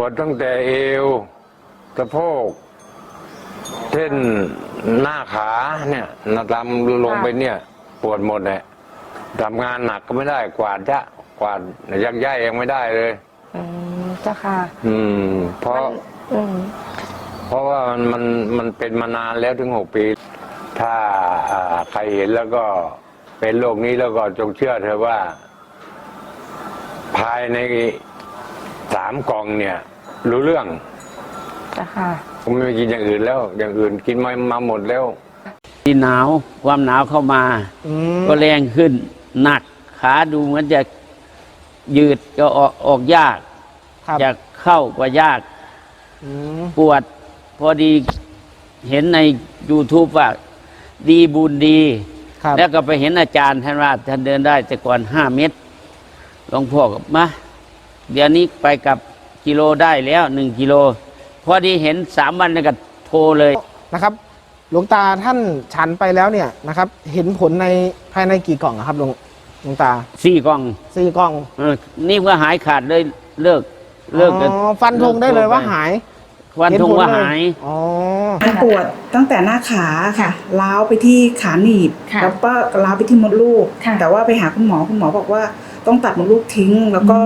วดตั้งแต่เอวสะโพกเช่นหน้าขาเนี่ยลำลงไปเนี่ยปวดหมดเลยทำงานหนักก็ไม่ได้กวาดกวาดยักย้ายยังไม่ได้เลยเจ้าค่ะเพราะว่ามันเป็นมานานแล้วถึง6 ปี ถ้าใครเห็นแล้วก็เป็นโรคนี้แล้วก็จงเชื่อเธอว่า ภายใน3 กล่องเนี่ยรู้เรื่องค่ะผมไม่กินอย่างอื่นแล้วอย่างอื่นกินมาหมดแล้วที่หนาวความหนาวเข้ามาก็แรงขึ้นหนักขาดูเหมือนจะยืดก็ออกยากจะเข้าก็ยากปวดพอดีเห็นใน YouTube ว่าดีบุญดีแล้วก็ไปเห็นอาจารย์ท่านว่าท่านเดินได้แต่ก่อน5 เมตรหลวงพ่อกับมาเดี๋ยวนี้ไปกับกิโลได้แล้ว1 กิโลพอดีเห็น3 วันแล้วก็โทรเลยนะครับหลวงตาท่านฉันไปแล้วเนี่ยนะครับเห็นผลในภายในกี่กล่องครับหลวงตา 4 กล่อง 4 กล่องนี่ก็หายขาดเลยเลิกฟันธงได้เลยว่าหายฟันธงว่าหายมันปวดตั้งแต่หน้าขาค่ะล้าวไปที่ขาหนีบแล้วก็ล้าวไปที่มดลูกแต่ว่าไปหาคุณหมอบอกว่าต้องตัดมดลูกทิ้งแล้วก็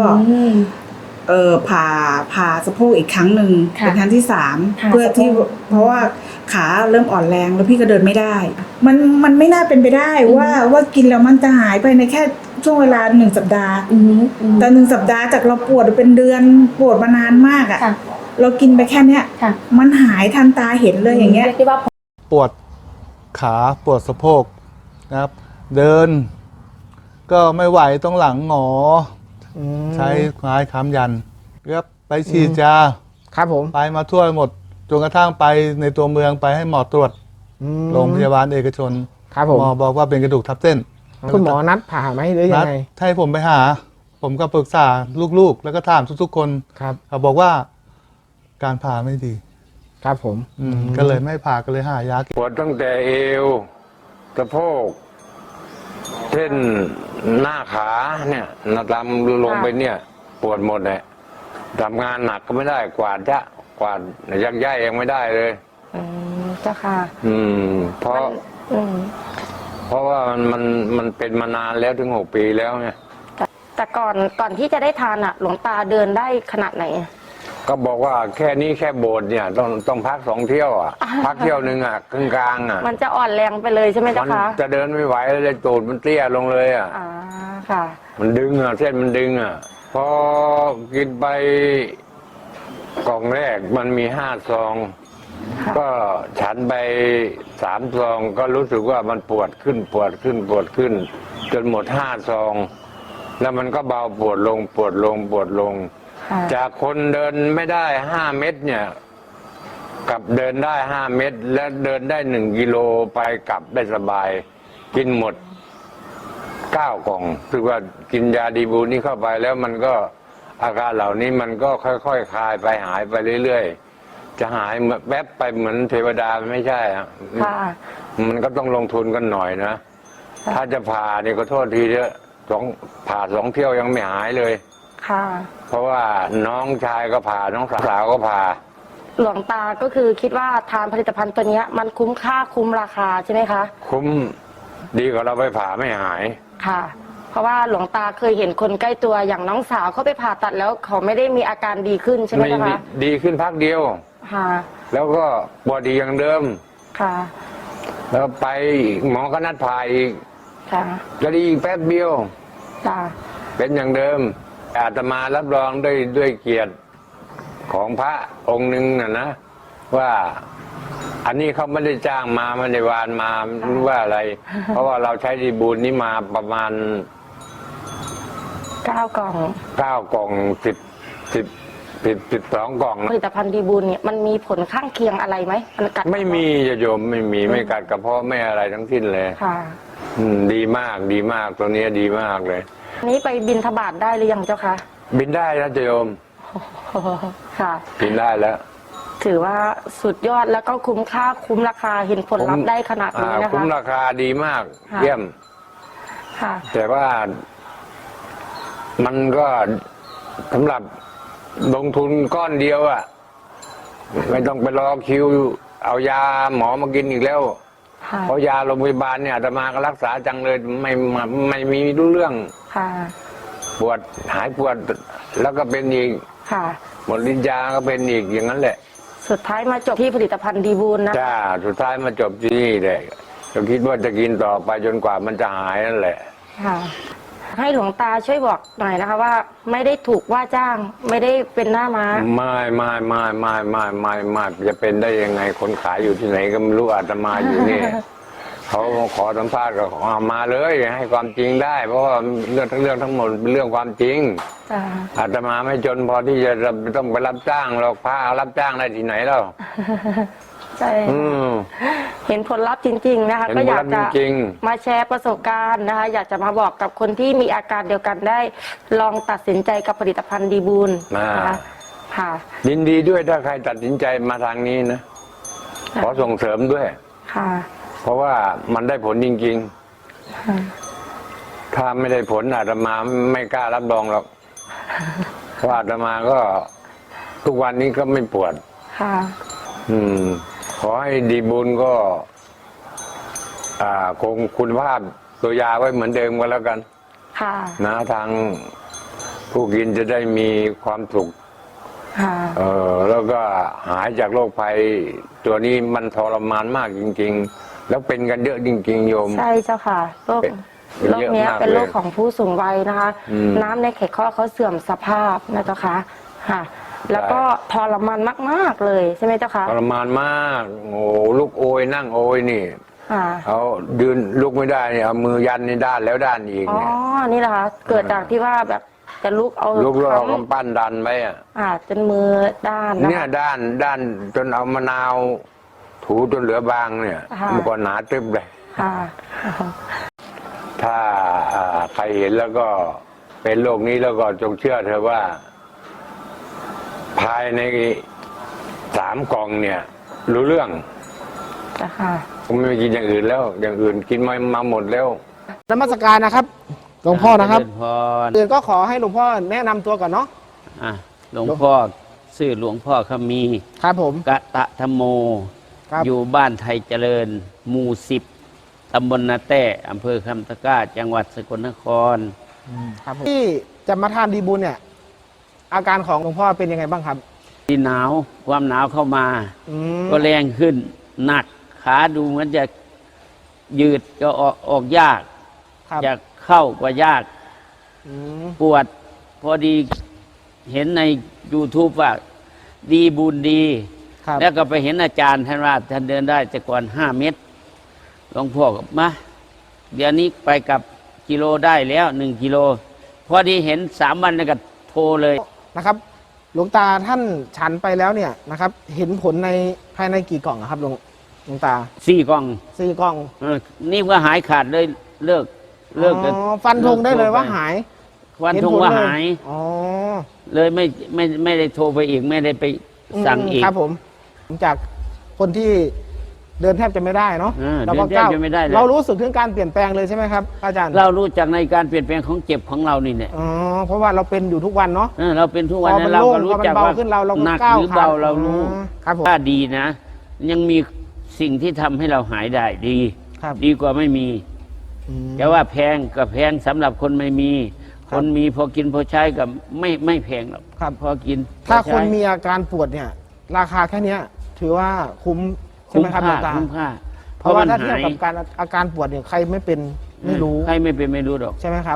ผ่าสะโพกอีกครั้งหนึ่งเป็นครั้งที่3เพื่อที่เพราะว่าขาเริ่มอ่อนแรงแล้วพี่ก็เดินไม่ได้มันไม่น่าเป็นไปได้ว่ากินแล้วมันจะหายไปในแค่ช่วงเวลา1 สัปดาห์แต่1 สัปดาห์จากเราปวดเป็นเดือนปวดมานานมากอ่ะเรากินไปแค่เนี้ยมันหายทันตาเห็นเลยอย่างเงี้ยปวดขาปวดสะโพกนะครับเดินก็ไม่ไหวต้องหลังหงอใช้ไม้ค้ำยันครับไปฉีดยาครับผมไปมาทั่วหมดจนกระทั่งไปในตัวเมืองไปให้หมอตรวจโรงพยาบาลเอกชนครับผมหมอบอกว่าเป็นกระดูกทับเส้นคุณหมอนัดผ่าไหมหรือยังไงให้ผมไปหาผมก็ปรึกษาลูกๆแล้วก็ถามทุกๆคนครับเขาบอกว่าการผ่าไม่ดีครับผมก็เลยไม่ผ่าก็เลยหายาปวดตั้งแต่เอวสะโพกเช่นหน้าขาเนี่ยลำลงไปเนี่ยปวดหมดเลยทำงานหนักก็ไม่ได้กวาดกวาดยักย้ายยังไม่ได้เลยเจ้าค่ะเพราะว่ามันเป็นมานานแล้วถึง6 ปีแล้วไงแต่ก่อนที่จะได้ทานหลวงตาเดินได้ขนาดไหนก็บอกว่าแค่นี้แค่โบสถ์เนี่ยต้องพัก2 เที่ยวพักเที่ยวนึงครึ่งกลางมันจะอ่อนแรงไปเลยใช่ไหมเจ้าคะจะเดินไม่ไหวเลยตูดมันเตี้ยลงเลยค่ะมันดึงเส้นมันดึงพอกินไปกล่องแรกมันมี5 ซองก็ฉันไป3 ซองก็รู้สึกว่ามันปวดขึ้นจนหมด5 ซองแล้วมันก็เบาปวดลงจากคนเดินไม่ได้5 เมตรเนี่ยกับเดินได้5 เมตรและเดินได้1 กิโลไปกลับได้สบายกินหมด9 กล่องคือว่ากินยาดีบูนี่เข้าไปแล้วมันก็อาการเหล่านี้มันก็ค่อยๆคลายไปหายไปเรื่อยๆจะหายแวบไปเหมือนเทวดาไม่ใช่มันก็ต้องลงทุนกันหน่อยนะถ้าจะผ่านี่ก็โทษทีเถอะผ่า2 เที่ยวยังไม่หายเลยเพราะว่าน้องชายก็ผ่าน้องสาวก็ผ่าหลวงตาก็คือคิดว่าทานผลิตภัณฑ์ตัวนี้มันคุ้มค่าคุ้มราคาใช่ไหมคะคุ้มดีกว่าเราไปผ่าไม่หายค่ะเพราะว่าหลวงตาเคยเห็นคนใกล้ตัวอย่างน้องสาวเขาไปผ่าตัดแล้วเขาไม่ได้มีอาการดีขึ้นใช่ไหมคะดีขึ้นพักเดียวค่ะแล้วก็ปวดดีอย่างเดิมค่ะแล้วไปหมอก็นัดผ่าอีกค่ะก็ดีแป๊บเดียวค่ะเป็นอย่างเดิมอาตมารับรองด้วยเกียรติของพระองค์หนึ่งนะว่าอันนี้เขาไม่ได้จ้างมาไม่ได้วานมาว่าอะไรเพราะว่าเราใช้ดีบูลนี้มาประมาณ 9 กล่อง 12 กล่องผลิตภัณฑ์ดีบูลเนี่ยมันมีผลข้างเคียงอะไรไหมมันกัดไม่มีโยมไม่กัดกระเพาะไม่อะไรทั้งสิ้นเลยค่ะดีมากตัวนี้ดีมากเลยนี้ไปบิณฑบาตได้หรือยังเจ้าคะบินได้นะโยมค่ะบินได้แล้วถือว่าสุดยอดแล้วก็คุ้มค่าคุ้มราคาเห็นผลลัพธ์ได้ขนาดนี้นะคะคุ้มราคาดีมากเยี่ยมแต่ว่ามันก็สำหรับลงทุนก้อนเดียวอ่ะไม่ต้องไปรอคิว เอายาหมอมากินอีกแล้วค่ะเพราะยาโรงพยาบาลเนี่ยอาตมาก็รักษาจังเลยไม่มีรู้เรื่องค่ะปวดหายปวดแล้วก็เป็นอีกค่ะหมดฤทธิ์ยาก็เป็นอีกอย่างนั้นแหละสุดท้ายมาจบที่ผลิตภัณฑ์ดีบูลนะจ้าสุดท้ายมาจบที่นี่เลยก็คิดว่าจะกินต่อไปจนกว่ามันจะหายนั่นแหละค่ะ ให้หลวงตาช่วยบอกหน่อยนะคะว่าไม่ได้ถูกว่าจ้าง ไม่ได้เป็นหน้าม้าไม่จะเป็นได้ยังไงคนขายอยู่ที่ไหนก็ไม่รู้อาตมาอยู่นี่ เขาขอสัมภาษณ์ก็เอามาเลยให้ความจริงได้ เพราะว่าเรื่องทั้งหมดเป็นเรื่องความจริงจ้าอาตมาไม่จนพอที่จะต้องไปรับจ้างหรอกพระรับจ้างได้ที่ไหนแล้วใช่อืมเห็นผลลัพธ์จริง ๆ นะคะเห็นก็อยากผลลัจะพธ์จริงมาแชร์ประสบการณ์นะคะ อยากจะมาบอกกับคนที่มีอาการเดียวกันได้ ลองตัดสินใจกับผลิตภัณฑ์ดีบูลนะคะค่ะยินดีด้วยถ้าใครตัดสินใจมาทางนี้นะ ขอส่งเสริมด้วยค่ะเพราะว่ามันได้ผลจริงค่ะๆ ถ้าไม่ได้ผลอาตมาไม่กล้ารับรองหรอก เพราะอาตมาก็ทุกวันนี้ก็ไม่ปวดค่ะขอให้ดีบุญก็คงคุณภาพตัวยาไว้เหมือนเดิมก็แล้วกันค่ะนะทางผู้กินจะได้มีความสุขค่ะแล้วก็หายจากโรคภัย ตัวนี้มันทรมานมากจริง ๆ แล้วเป็นกันเยอะจริง ๆ โยมใช่เจ้าค่ะโรคเป็นโรคเยอะเนี้ยมากเป็นโรคเลยของผู้สูงวัยนะคะ น้ำในไขข้อเขาเสื่อมสภาพนะเจ้าค่ะค่ะ แล้วก็ทรมานมากๆเลยใช่ไหมเจ้าค่ะทรมานมากโอ้ลุกโอยนั่งโอยนี่ค่ะเขายืนลุกไม่ได้เนี่ยเอามือยันในด้านแล้วด้านอีกอ๋อเนี่ยนี่แหละค่ะเกิดจากที่ว่าแบบจะลุกเอาลุกแล้วเอาค้ำกำปั้นดันไว้อะจนมือด้านนะเนี่ยคะด้านจนเอามะนาวถูจนเหลือบางเนี่ยค่ะมันก็หนาตึ๊บเลยค่ะถ้าใครเห็นแล้วก็เป็นโรคนี้แล้วก็จงเชื่อเธอะว่า ภายใน3 กล่องเนี่ย รู้เรื่องจ้ะค่ะผมไม่กินอย่างอื่นแล้ว อย่างอื่นกินมาหมดแล้วนมัสการนะครับหลวงพ่อนะครับเจญพรอื่นก็ขอให้หลวงพ่อแนะนำตัวก่อนเนาะอ่ะหลวงพ่อชื่อหลวงพ่อขมีครับผมกะตะธรรมโมครับอยู่บ้านไทยเจริญ หมู่10 ตำบลนาแต้อำเภอคำตะกร้า จังหวัดสกลนครครับผมที่จะมาทานดีบุญเนี่ย อาการของหลวงพ่อเป็นยังไงบ้างครับที่หนาวความหนาวเข้ามาอืมก็แรงขึ้นหนักขาดูเหมือนจะยืดก็ออกยากครับจะเข้าก็ยากอืมปวด พอดีเห็นใน YouTube ว่าดีบุญดีครับแล้วก็ไปเห็นอาจารย์ท่านว่าท่านเดินได้แต่ก่อน5 เมตรหลวงพ่อก็มาเดี๋ยวนี้ไปกับกิโลได้แล้ว1 กิโล พอดีเห็น3 วันแล้วก็โทรเลยนะครับ หลวงตาท่านฉันไปแล้วเนี่ยนะครับ เห็นผลในภายในกี่กล่องอะครับหลวงตา 4 กล่อง 4 กล่องนี่ก็หายขาดเลยเลิกกันอ๋อฟันธงได้เลยว่าหายฟันเห็ธงผลว่าเลหายอ๋อเลยไม่ได้โทรไปอีกไม่ได้ไปสั่งอีกครับผมจากคนที่เดินแทบจะไม่ได้เนาะเดินแทบจะไม่ได้เลยเรารู้สึกถึงการเปลี่ยนแปลงเลยใช่ไหมครับอาจารย์เรารู้จักในการเปลี่ยนแปลงของเจ็บของเรานี่เนี่ยอ๋อเพราะว่าเราเป็นอยู่ทุกวันเนาะเราเป็นทุกวันพอมันนั้นเราโล่งก็รู้จักพอมันเบาว่าขึ้นเราก็หนักก้าวหรือเบาขาเรารู้ครับผมถ้าดีนะ ยังมีสิ่งที่ทำให้เราหายได้ดีครับดีกว่าไม่มีอืมแต่ว่าแพงก็แพงสำหรับคนไม่มีครับคนมีพอกินพอใช้ก็ไม่แพงหรอกครับพอกินถ้าพอคนใช้มีอาการปวดเนี่ย ราคาแค่เนี้ย ถือว่าคุ้มใช่ไหมครับหลวงตาคุ้มค่าเพราะว่ามันถ้าเทียบหายกับการอาการปวดเนี่ยใครไม่เป็นไม่รู้ใครไม่เป็นไม่รู้หรอกใช่ไหมครับ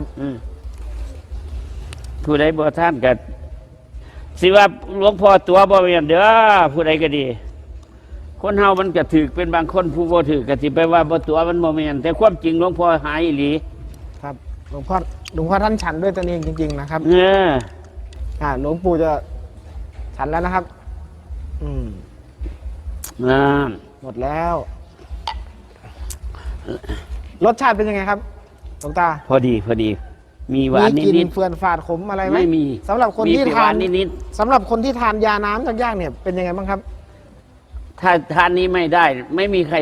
ผู้ใดบ่ท่านกันสิว่าหลวงพ่อตัวบ่แม่นเด้อผู้ใดก็ดี คนเฮามันก็ถือเป็นบางคนผู้บ่ถือก็สิไปว่าบ่ตัวมันบ่แม่นแต่ความจริงหลวงพ่อหายอีหลีครับหลวงพ่อท่านฉันด้วยตนเองจริง ๆ นะครับ หลวงปู่จะฉันแล้วนะครับนั่นหมดแล้ว รสชาติเป็นยังไงครับหลวงตาพอดี มีหวานมีกลิ่นินดเฟื่อนฝาดขมอะไรๆไหมไม่มีสำหรับคนมีที่แต่หทานนิดสำหรับคนที่ทานยาน้ำจากย่างเนี่ยเป็นยังไงบ้างครับๆถ้าทานนี้ไม่ได้ ไม่มีใคร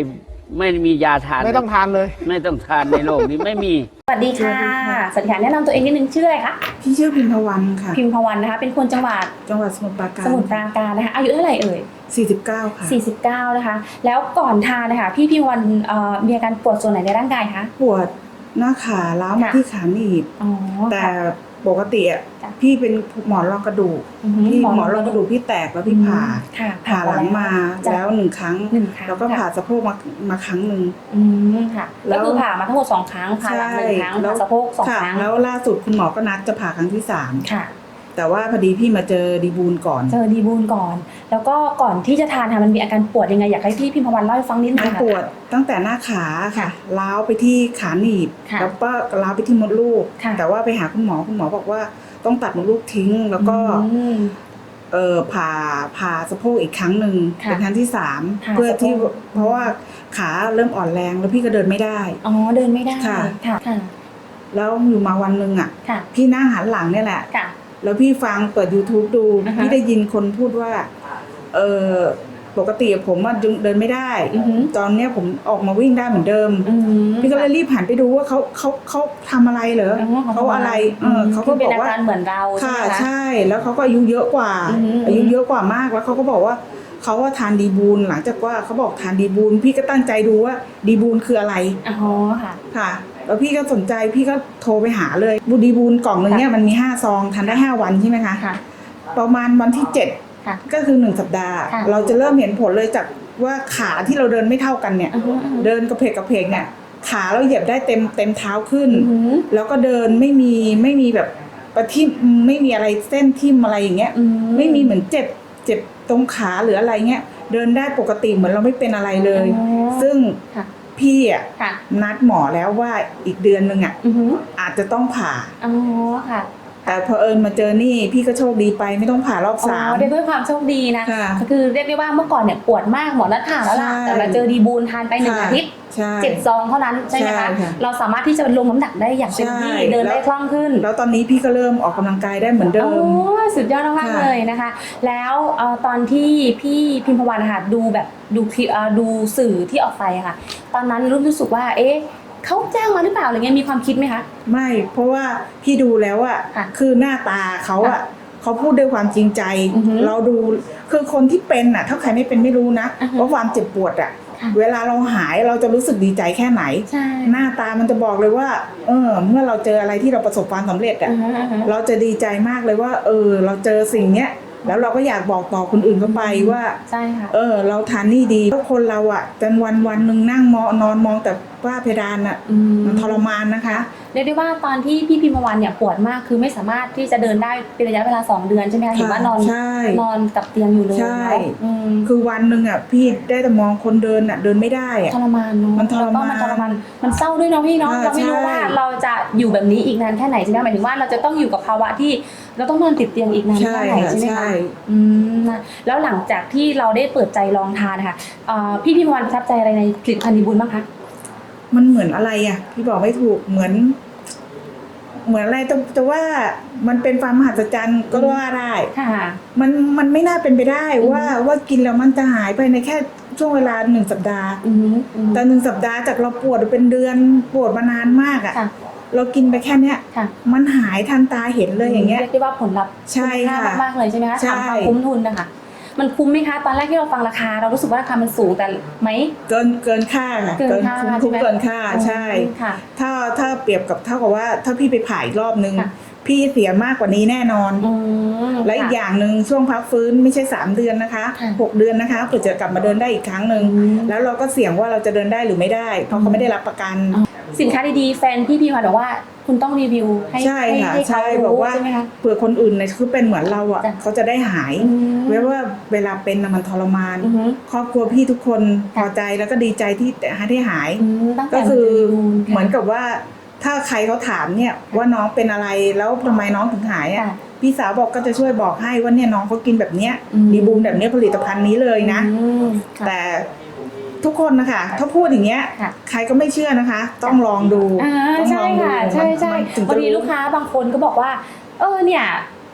ไม่มียาทานไม่ต้องทานเลยไม่ต้องทานในโลกนี้ไม่มีสวัสดีค่ะ สวัสดีค่ะ แนะนำตัวเองนิดนึงชื่ออะไรคะพี่ชื่อพิมพวันค่ะพิมพวันนะคะ เป็นคนจังหวัดจังหวัดสมุทรปราการสมุทรปราการนะคะ อายุเท่าไหร่เอ่ย 49 ค่ะ 49 นะคะ แล้วก่อนทานนะคะพี่พิมพวันมีอาการปวดส่วนไหนในร่างกายคะปวดหน้าขาล้าวมาค่ะที่ขาหนีบอ๋อแต่ค่ะปกติอ่ะจ้ะพี่เป็นหมอนรองกระดูก พี่หมอนรองกระดูกพี่แตกแล้วพี่ผ่าค่ะผ่าหลังมาจ้ะแล้ว1 ครั้งหนึ่งครั้งแล้วก็ผ่าสะโพกมาครั้งหนึ่งอืมค่ะแล้ก็วคือผ่ามาทั้งหมด2 ครั้ง ผ่าหลัง1 ครั้ง ผ่าสะโพก2 ค่ะครั้งแล้วล่าสุดคุณหมอก็นัดจะผ่าครั้งที่ค่ะ 3 แต่ว่าพอดีพี่มาเจอดีบูลก่อนเจอดีบูลก่อน แล้วก็ก่อนที่จะทานค่ะมันมีอาการปวดยังไงอยากให้พี่พิมพวันเล่าให้ฟังนิดนึงมันค่ะปวดตั้งแต่หน้าขาค่ะล้าวไปที่ขาหนีบค่ะแล้วก็ล้าวไปที่มดลูกค่ะแต่ว่าไปหาคุณหมอบอกว่าต้องตัดมดลูกทิ้ง แล้วก็อืมผ่าสะโพกอีกครั้งหนึ่งค่ะเป็นครั้งที่ผ่า 3 เพื่อที่สะโพกเพราะว่าขาเริ่มอ่อนแรงแล้วพี่ก็เดินไม่ได้อ๋อเดินไม่ได้ค่ะค่ะค่ะแล้วอยู่มาวันหนึ่งอ่ะค่ะพี่นั่งหันหลังเนี่ยแหละค่ะแล้วพี่ฟังเปิด YouTube ดูอ่าฮะพี่ได้ยินคนพูดว่าเออปกติผมอะเดินไม่ได้อือหือตอนเนี้ยผมออกมาวิ่งได้เหมือนเดิมอืมพี่ก็เลยรีบหันไปดูว่าเขาทำอะไรเหรอเขาอะไรเขาก็คืบอกเป็นว่าอาการเหมือนเราใช่ค่ะไหมคะใช่แล้วเขาก็อายุเยอะกว่าอือหืออายุเยอะกว่ามากแล้วเขาก็บอกว่าเขาว่าทานดีบูลหลังจากว่าเขาบอกทานดีบูลพี่ก็ตั้งใจดูว่าดีบูลคืออะไรอ๋อค่ะค่ะแล้วพี่ก็สนใจพี่ก็โทรไปหาเลยบูดีบูลกล่องหนึ่งเนี่ยมันมี5 ซองทานได้ 5 วันใช่ไหมคะค่ะประมาณวันที่ค่ะ 7 ก็คือ1 สัปดาห์ค่ะเราจะเริ่มเห็นผลเลยจากว่าขาที่เราเดินไม่เท่ากันเนี่ยอือหืออือหือเดินกระเพกเนี่ยขาเราเหยียบได้เต็มเท้าขึ้นอือหือแล้วก็เดินไม่มีแบบประทิ่มไม่มีอะไรเส้นทิ่มอะไรอย่างเงี้ยอืไม่มีเหมือนเจ็บตรงขาหรืออะไรเงี้ยเดินได้ปกติเหมือนเราไม่เป็นอะไรเลยอ๋อซึ่งค่ะพี่อ่ะค่ะนัดหมอแล้วว่าอีกเดือนนึงอ่ะอือหืออาจจะต้องผ่าอ๋อค่ะแต่พอเอิญมาเจอนี่พี่ก็โชคดีไปไม่ต้องผ่ารอบอ๋อ 3 เรียกด้วยความโชคดีนะค่ะก็คือเรียกได้ว่าเมื่อก่อนเนี่ยปวดมากหมอนัดผ่าแล้วล่ะใช่แต่มาเจอดีบูลทานไป1 อาทิตย์ใช่ 7 ซองเท่านั้นใช่ไหมใช่คะค่ะเราสามารถที่จะลงน้ำหนักได้อย่างเต็มที่ใช่เดินได้แล้วคล่องขึ้นแล้วตอนนี้พี่ก็เริ่มออกกำลังกายได้เหมือนเดิโอ้มสุดยอดมากๆค่ะเลยนะคะ แล้วตอนที่พี่พิมพวันนะคะดูแบบดูคลิปดูสื่อที่ออกไปอะค่ะ ตอนนั้นรู้สึกว่าเอ๊ะเขาจ้างมาหรือเปล่าอะไรเงี้ยมีความคิดไหมคะไม่เพราะว่าพี่ดูแล้วอ่ะค่ะคือหน้าตาเขาอ่ะเขาพูดด้วยความจริงใจอือหือเราดูคือคนที่เป็นอ่ะถ้าใครไม่เป็นไม่รู้นะอือฮึว่าความเจ็บปวดอ่ะค่ะเวลาเราหายเราจะรู้สึกดีใจแค่ไหนใช่หน้าตามันจะบอกเลยว่า เมื่อเราเจออะไรที่เราประสบความสำเร็จอ่ะอือฮึอือฮึเราจะดีใจมากเลยว่า เราเจอสิ่งเนี้ยแล้วเราก็อยากบอกต่อคนอื่นเข้าไปว่าใช่ค่ะเราทานนี่ดีแล้วคนเราอ่ะจนวันหนึ่งนั่งนอนมองแต่ฝ้าเพดานอ่ะอืมมันทรมานนะคะเรียกได้ว่าตอนที่พี่พิมพวันเนี่ยปวดมากคือไม่สามารถที่จะเดินได้เป็นระยะเวลา2 เดือนใช่ไหมคะเห็นว่านอนใช่นอนกับเตียงอยู่เลยใช่เนาะอืมคือวันหนึ่งอ่ะพี่ได้แต่มองคนเดินอ่ะเดินไม่ได้อ่ะทรมานเนาะมันทรมานแล้วก็มันทรมานมันเศร้าด้วยเนาะพี่เนาะอ่าเราไม่รู้ใช่ว่าเราจะอยู่แบบนี้อีกนานแค่ไหนใช่ไหมหมายถึงว่าเราจะต้องอยู่กับภาวะที่เราต้องนอนติดเตียงอีกนานแค่ไหนใช่ไหมใช่คะอืมนะแล้วหลังจากที่เราได้เปิดใจลองทานนะคะพี่พิมพวันประทับใจอะไรในผลิตภัณฑ์ดีบุญบ้างคะมันเหมือนอะไรอ่ะพี่บอกไม่ถูกเหมือนอะไรแต่ว่ามันเป็นความมหัศจรรย์ก็ว่าได้ค่ะมันไม่น่าเป็นไปได้ว่ากินแล้วมันจะหายไปในแค่ช่วงเวลา1 สัปดาห์อืมอืมแต่1 สัปดาห์จากเราปวดเป็นเดือนปวดมานานมากอ่ะค่ะเรากินไปแค่เนี้ยค่ะมันหายทันตาเห็นเลยอย่างเงี้ยเรียกได้ว่าผลลัพธ์ใช่คุ้มค่าค่ะมากๆเลยใช่ไหมคะใช่ถามความคุ้มทุนนะคะมันคุ้มไหมคะตอนแรกที่เราฟังราคาเรารู้สึกว่าราคามันสูงแต่ไหมเกินค่าค่ะเกินค่าคุ้มใช่ไหมเกินค่าใช่ค่ะถ้าเปรียบกับเท่ากับว่าถ้าพี่ไปผ่าอีกรอบนึงค่ะพี่เสียมากกว่านี้แน่นอนอืมและอีกอย่างหนึ่งช่วงพักฟื้นไม่ใช่3 เดือนนะคะค่ะ 6 เดือนนะคะเพื่อจะกลับมาเดินได้อีกครั้งหนึ่งอืมแล้วเราก็เสี่ยงว่าเราจะเดินได้หรือไม่ได้ เพราะเขาไม่ได้รับประกันสินค้าดีๆแฟนพี่พิมพ์บอกว่าคุณต้องรีวิวให้ใช่ค่ะให้ใช่เขาบอกรู้ว่าใช่ไหมคะเผื่อคนอื่นเนี่ยคือเป็นเหมือนเราอ่ะจ้ะเขาจะได้หายอืมเว้ยว่าเวลาเป็นน่ะมันทรมานอือฮึครอบครัวพี่ทุกคนพค่ะอใจแล้วก็ดีใจที่ได้หายตั้งแต่ก็คือมาจเหมือนกับว่าถ้าใครเขาถามเนี่ยว่าน้องเป็นอะไรแล้วทำไมน้องถึงหายอ่ะค่ะพี่สาวบอกก็จะช่วยบอกให้ว่าเนี่ยน้องเขากินแบบเนี้ยอืมดีบูมแบบเนี้ยผลิตภัณฑ์นี้เลยนะอืมค่ะแต่ทุกคนนะคะถ้าพูดอย่างเงี้ยค่ะใครก็ไม่เชื่อนะคะ ต้องลองดูอ่าต้องใช่ลองดูค่ะใช่ใช่มันถึงบาจะงทีลูกค้าบางคนก็บอกว่า เนี่ย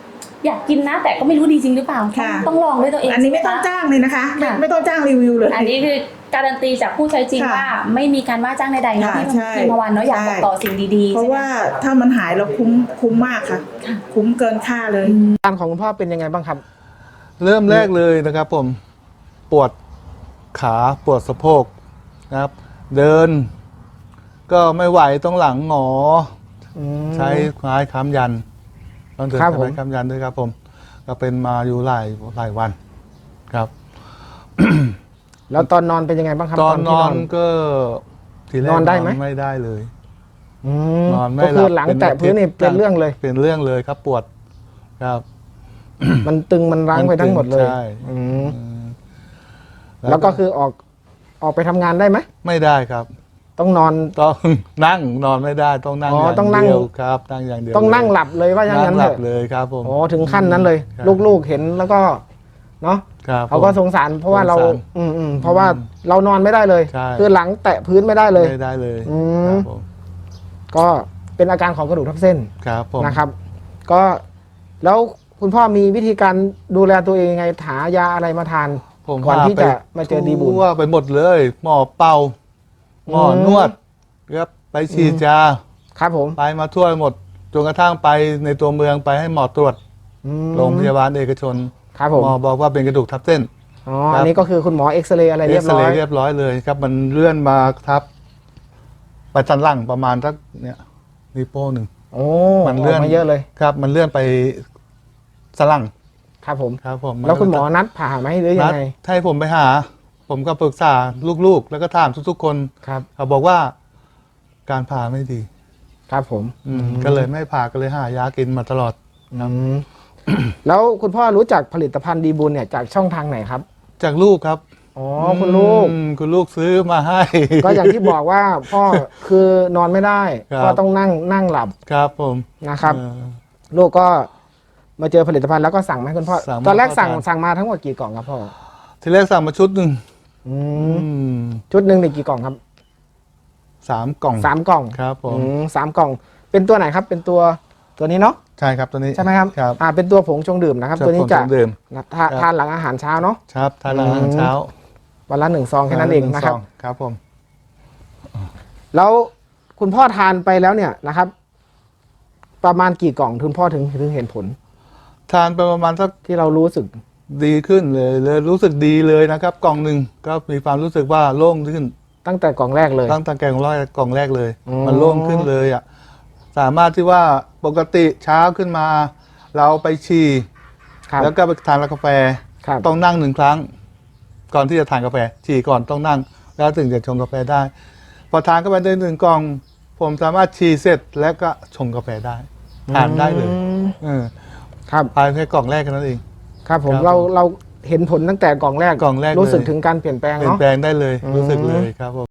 อยากกินนะ แต่ก็ไม่รู้ดีจริงหรือเปล่าค่ะต้องลองด้วยตัวเองอันนี้ไม่ต้องใช่หจ้างเลยนะคะค่ะไม่ต้องจ้างรีวิวเลยอันนี้คือการันตีจากผู้ใช้จริงค่ะว่าไม่มีการว่าจ้างใดๆเนาะค่ะที่ใช่พิมพวันเนาะอยากบอกต่อสิ่งดีๆเพราะว่าถ้ามันหายเราคุ้มมากค่ะ คุ้มเกินค่าเลยอาการของคุณพ่อเป็นยังไงบ้างครับเริ่มแรกเลยนะครับผมปวดขาปวดสะโพกนะครับ เดิน ก็ไม่ไหวต้องหลังหงอ ใช้ไม้ค้ำยันต้องเดินครับใช้ผมไม้ค้ำยันด้วยครับผม ก็เป็นมาอยู่หลายวันครับแล้วตอนนอนเป็นยังไงบ้างครับตอนนที่อนก็ทีแรกนอนได้ไหมไม่ได้เลยอืมนอนไม่ก็คือหหลัลับงแตะพื้นนี่เป็นเรื่องเลยเป็นเรื่องเลยครับปวดครับมันตึงมันรั้งไปทั้งหมดเลยใช่อืมแล้วก็คือออกไปทำงานได้ไหมไม่ได้ครับต้องนอนต้องนั่งนอนไม่ได้ต้องนั่งอ๋ออย่างต้องนั่งเดียวครับนั่งอย่างเดียวต้องนั่งเลยหลับเลยว่าอย่างนั่นั้งนหเถลับอะเลยครับผมโอ้ถึงขั้นนั้นเลยครับลูกๆเห็นแล้วก็เนาะครับเขาก็ผมสงสารเพราะว่าเราสงสารเพราะว่าเรานอนไม่ได้เลยใช่คือหลังแตะพื้นไม่ได้เลยไม่ได้เลยอืมครับผมก็เป็นอาการของกระดูกทับเส้นครับผมนะครับ ก็แล้วคุณพ่อมีวิธีการดูแลตัวเองยังไงหายาอะไรมาทานผมก่อนที่พาไปจะมาเจอดีบุญทั่วไปหมดเลย หมอเป่า หมอนวดครับไปฉีดยาครับผมไปมาทั่วหมดจนกระทั่งไปในตัวเมืองไปให้หมอตรวจอืมโรงพยาบาลเอกชนครับผมหมอบอกว่าเป็นกระดูกทับเส้นอ๋อครับอันนี้ก็คือคุณหมอเอ็กซเรย์อะไรเรียบร้อยเรียบร้อยเลยครับ มันเลื่อนมาทับไปสันหลังประมาณสักเนี่ยนิ้วโป้งหนึ่งโอ้มันเลื่อนกมาเยอะเลยครับ มันเลื่อนไปสันหลังครับผมครับผมแล้วคุณหมอนัดผ่าไหมหรือยันัดงไงให้ผมไปหา ผมก็ปรึกษาลูกๆ แล้วก็ถามทุกๆคนครับเขาบอกว่าการผ่าไม่ดีครับผมก็เลยไม่ผ่าก็เลยหายากินมาตลอดอืมแล้วคุณพ่อรู้จักผลิตภัณฑ์ดีบุญเนี่ยจากช่องทางไหนครับจากลูกครับอ๋อคุณลูกคุณลูกซื้อมาให้ก็อย่างที่บอกว่าพ่อคือนอนไม่ได้ครับก็ต้องนั่งหลับครับผมนะครับเออลูกก็มาเจอผลิตภัณฑ์แล้วก็สั่งมาให้คุณพ่อสั่งมาตอนแรกให้พ่อทานสั่งมาทั้งหมดกี่กล่องครับพ่อทีแรกสั่งมาชุดหนึ่งอืมอืมชุดหนึ่งนี่กี่กล่องครับ 3 กล่อง 3 กล่องครับผม 3 กล่อง เป็นตัวไหนครับ เป็นตัวนี้เนาะใช่ครับตัวนี้ใช่ไหมครับครับเป็นตัวผงชงดื่มนะครับ ตัวนี้จะผมดื่มทานหลังอาหารเช้าเนาะครับทานอาหารเช้าวันละ1 ซองแค่นั้นเองนะครับหซครับผมแล้วคุณพ่อทานไปแล้วเนี่ยนะครับ ประมาณกี่กล่องคุณพ่อถึงเห็นผลทานไปประมาณสักที่เรารู้สึกดีขึ้นเลยรู้สึกดีเลยนะครับ กล่องหนึ่งก็มีความรู้สึกว่าโล่งขึ้นตั้งแต่กล่องแรกเลยตั้งแต่กล่องแรกเลยอ๋อมันโล่งขึ้นเลยอ่ะสามารถที่ว่าปกติเช้าขึ้นมา เราไปฉี่ครับแล้วก็ไปทานกาแฟครับต้องนั่ง1 ครั้ง ก่อนที่จะทานกาแฟฉี่ก่อนต้องนั่ง แล้วถึงจะชงกาแฟได้ พอทานเข้าไปได้1 กล่อง ผมสามารถฉี่เสร็จแล้วก็ชงกาแฟได้ทานได้เลย เออครับภายในกล่องแรกแค่นั้นเองครับผมครับเราเห็นผลตั้งแต่กล่องแรกกล่องแรกรู้สึกเลยถึงการเปลี่ยนแปลงเปลี่ยนเนาะแปลงได้เลยรู้สึกเลยครับผม